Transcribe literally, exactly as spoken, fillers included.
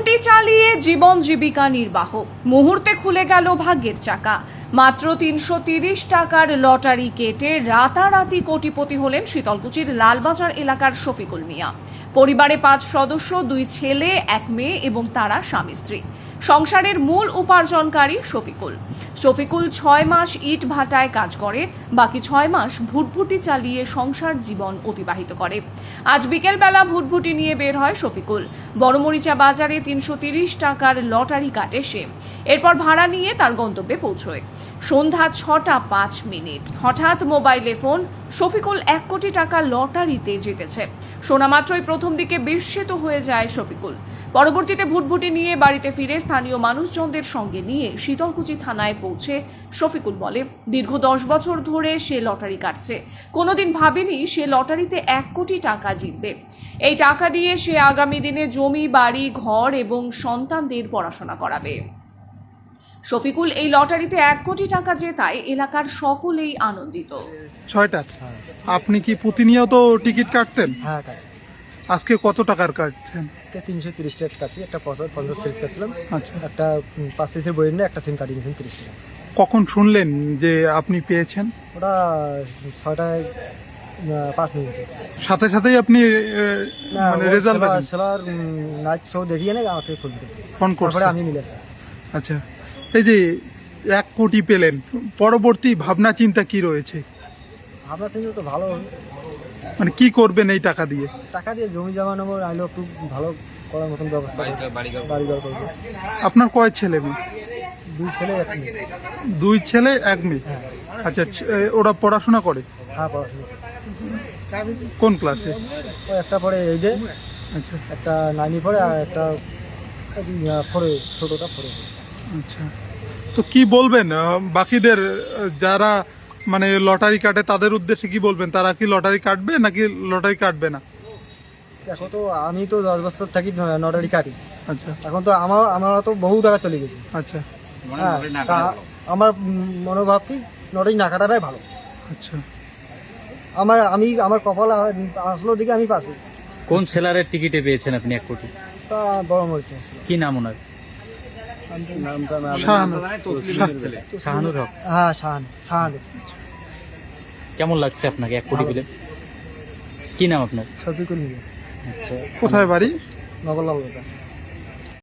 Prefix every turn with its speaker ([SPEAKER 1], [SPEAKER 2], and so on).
[SPEAKER 1] ভুটভুটি চালিয়ে জীবন জীবিকা নির্বাহ, মুহূর্তে খুলে গেল ভাগ্যের চাকা। মাত্র তিনশো তিরিশ টাকার লটারি কেটে রাতারাতি কোটিপতি হলেন শীতলকুচির লালবাজার এলাকার শফিকুল মিয়া। পরিবারে পাঁচ সদস্য, দুই ছেলে এক মেয়ে এবং তারা স্বামী স্ত্রী। সংসারের মূল উপার্জনকারী শফিকুল শফিকুল ছয় মাস ইট ভাটায় কাজ করে, বাকি ছয় মাস ভুটভুটি চালিয়ে সংসার জীবন অতিবাহিত করে। আজ বিকেলবেলা ভুটভুটি নিয়ে বের হয় শফিকুল। বড়মরিচা বাজারে তিনশো তিরিশ টাকার লটারি কাটে সে। এরপর ভাড়া নিয়ে তার গন্তব্যে পৌঁছয়। সন্ধ্যা ছটা পাঁচ মিনিট হঠাৎ মোবাইলে ফোন, শফিকুল এক কোটি টাকা লটারিতে জিতেছে। শোনা মাত্রই প্রথম দিকে বিস্মিত হয়ে যায় শফিকুল। পরবর্তীতে ভুটভুটি নিয়ে বাড়িতে ফিরে স্থানীয় মানুষজনদের সঙ্গে নিয়ে শীতলকুচি থানায় পৌঁছে শফিকুল বলে, দীর্ঘ দশ বছর ধরে সে লটারি কাটছে। কোনোদিন ভাবেনি সে লটারিতে এক কোটি টাকা জিতবে। এই টাকা দিয়ে সে আগামী দিনে জমি, বাড়ি, ঘর এবং সন্তানদের পড়াশোনা করাবে। শফিকুল এই লটারিতে এক কোটি টাকা জেতায় এলাকার সকলেই আনন্দিত।
[SPEAKER 2] ছয়টা। আপনি কি প্রতিনিয়ত টিকিট কাটতেন?
[SPEAKER 3] হ্যাঁ কাটি।
[SPEAKER 2] আজকে কত টাকার কাটছেন?
[SPEAKER 3] আজকে তিনশো তিরিশ টাকা কাটছি। একটা পঞ্চাশ পঞ্চাশ সিরিজ কাটছিলাম,
[SPEAKER 2] আচ্ছা।
[SPEAKER 3] একটা পাঁচ সিরিজের বই নিয়ে একটা সিম কাটিয়ে নিয়েছেন তিরিশ টাকা।
[SPEAKER 2] কখন শুনলেন যে আপনি পেয়েছেন?
[SPEAKER 3] ওটা ছয়টায় আহ, পাঁচ মিনিটে।
[SPEAKER 2] সাথে সাথেই আপনি আহ,
[SPEAKER 3] না,
[SPEAKER 2] মানে
[SPEAKER 3] ও
[SPEAKER 2] result
[SPEAKER 3] seller- seller night show দেখিয়ে নেই, আমাকে ফোন করে
[SPEAKER 2] ফোন
[SPEAKER 3] তারপরে
[SPEAKER 2] করছেন?
[SPEAKER 3] আমি মিলেছি।
[SPEAKER 2] আচ্ছা, এই যে এক কোটি পেলেন, পরবর্তী ভাবনা চিন্তা কি রয়েছে?
[SPEAKER 3] আপনার চিন্তা তো ভালো হবে।
[SPEAKER 2] মানে কি করবেন এই টাকা দিয়ে?
[SPEAKER 3] টাকা দিয়ে জমি জমা নেবো, আইলেও একটু ভালো করার মতন ব্যবস্থা করবো। বাড়ি ঘর করবো।
[SPEAKER 2] আপনার কয় ছেলে মেয়ে?
[SPEAKER 3] দুই ছেলে এক মেয়ে।
[SPEAKER 2] দুই ছেলে এক মেয়ে।
[SPEAKER 3] হ্যাঁ
[SPEAKER 2] আচ্ছা, ছ- এ, ওরা পড়াশোনা করে
[SPEAKER 3] হ্যাঁ পড়াশোনা করে।
[SPEAKER 2] কোন ক্লাসে?
[SPEAKER 3] ও একটা পড়ে এইটে,
[SPEAKER 2] আচ্ছা
[SPEAKER 3] একটা নাইনি পড়ে, আর একটা ফোরে, ছোটোটা ফোরে।
[SPEAKER 2] আচ্ছা, তো কি বলবেন আহ, বাকিদের আহ, যারা মানে লটারি কাটে তাদের উদ্দেশ্যে কি বলবেন? তারা কি লটারি কাটবে নাকি লটারি কাটবে না?
[SPEAKER 3] এখন তো আমি তো দশ বছর থাকি লটারি কাটি।
[SPEAKER 2] আচ্ছা
[SPEAKER 3] এখন তো আমার আমার তো বহু টাকা চলে গেছে।
[SPEAKER 2] আচ্ছা
[SPEAKER 3] হ্যাঁ, তা আমার মনোভাব কি লটারি না কাটাটাই ভালো।
[SPEAKER 2] আচ্ছা,
[SPEAKER 3] আমার আমি আমার কপাল আসলো দিকে আমি পাচ্ছি।
[SPEAKER 4] কোন সেলারের টিকিটে পেয়েছেন আপনি এক কোটি?
[SPEAKER 3] তা বড় মরিচে
[SPEAKER 4] কি নাম ওনার?
[SPEAKER 2] শাহানুর।
[SPEAKER 4] শাহানুর হক।
[SPEAKER 3] হ্যাঁ শাহান শাহান
[SPEAKER 4] কেমন লাগছে আপনাকে এক কোটি পেলেন? কি নাম আপনার?
[SPEAKER 3] শফিকুল মিয়া,
[SPEAKER 4] আচ্ছা,
[SPEAKER 2] কোথায় বাড়ি?
[SPEAKER 3] নগরলাল।